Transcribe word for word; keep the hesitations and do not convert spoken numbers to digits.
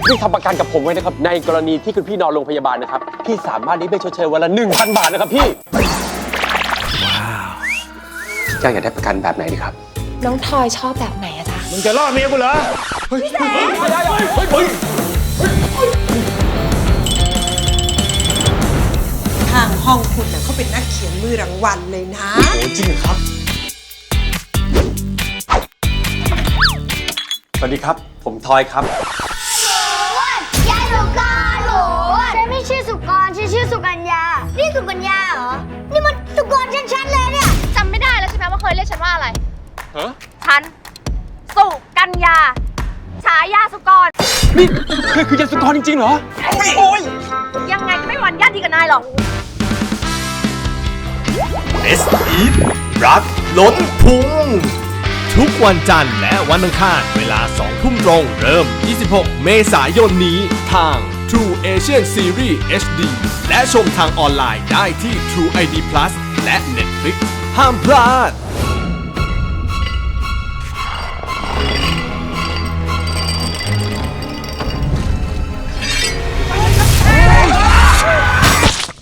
พี่ทำประกันกับผมไว้นะครับในกรณีที่คุณพี่นอนโรงพยาบาลนะครับพี่สามารถได้เบี้ยชดเชยวันละ หนึ่งพัน บาทนะครับพี่ว้าวพี่จ้างอยากได้ประกันแบบไหนดีครับน้องทอยชอบแบบไหนอะจ๊ะมึงจะรอดเมียกูเหรอพี่แสทางห้องคุณน่ะเขาเป็นนักเขียนมือรางวัลเลยนะโอ้จริงครับสวัสดีครับผมทอยครับยายสุกรโหฉันไม่ชื่อสุกรฉันชื่อสุกัญญานี่สุกัญญาเหรอนี่มันสุกรชัดๆเลยเนี่ยจำไม่ได้แล้วใช่ไหมว่าเคยเรียกฉันว่าอะไรฮะฉันสุกัญญาฉายาสุกรนี่คือคือยาสุกรจริงๆเหรอโอ้ยยังไงก็ไม่หวั่นญาติกับนายหรอกเอสอีฟรักล้นพุงทุกวันจันทร์และวันอังคารเวลาสองทุ่มตรงเริ่ม ยี่สิบหก เมษายนนี้ทาง True Asian Series เอช ดี และชมทางออนไลน์ได้ที่ True ไอ ดี Plus และ Netflix ห้ามพลาด